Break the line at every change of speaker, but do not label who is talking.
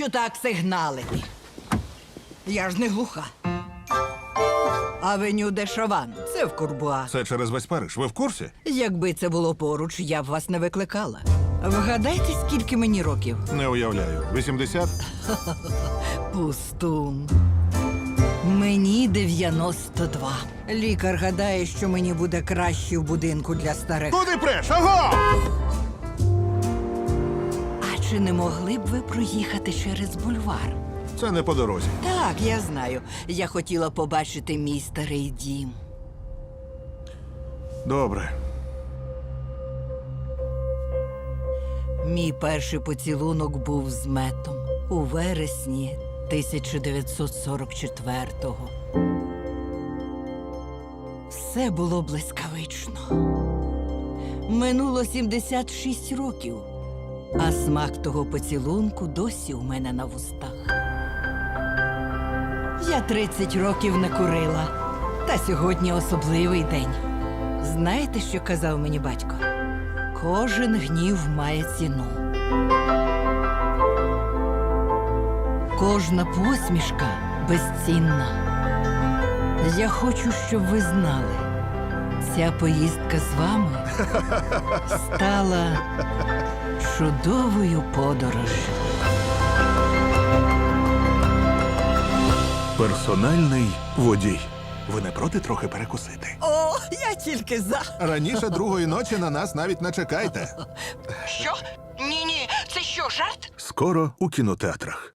Навіщо так сигналити? Я ж не глуха. Авеню де Шаван. Це в Курбуа.
Це через весь Париж. Ви в курсі?
Якби це було поруч, я б вас не викликала. Вгадайте, скільки мені років?
Не уявляю. 80?
Пустун. Мені 92. Лікар гадає, що мені буде краще в будинку для старих.
Куди преш? Аго!
А чи не могли б ви проїхати через бульвар?
Це не по дорозі.
Так, я знаю. Я хотіла побачити мій старий дім.
Добре.
Мій перший поцілунок був з Метом у вересні 1944-го. Все було блискавично. Минуло 76 років, а смак того поцілунку досі у мене на вустах. Я 30 років не курила, та сьогодні особливий день. Знаєте, що казав мені батько? Кожен гнів має ціну. Кожна посмішка безцінна. Я хочу, щоб ви знали, ця поїздка з вами стала чудовою подорожжю.
Персональний водій. Ви не проти трохи перекусити?
О, я тільки за.
Раніше другої ночі на нас навіть не чекайте.
Що? Ні-ні, це що, жарт?
Скоро у кінотеатрах.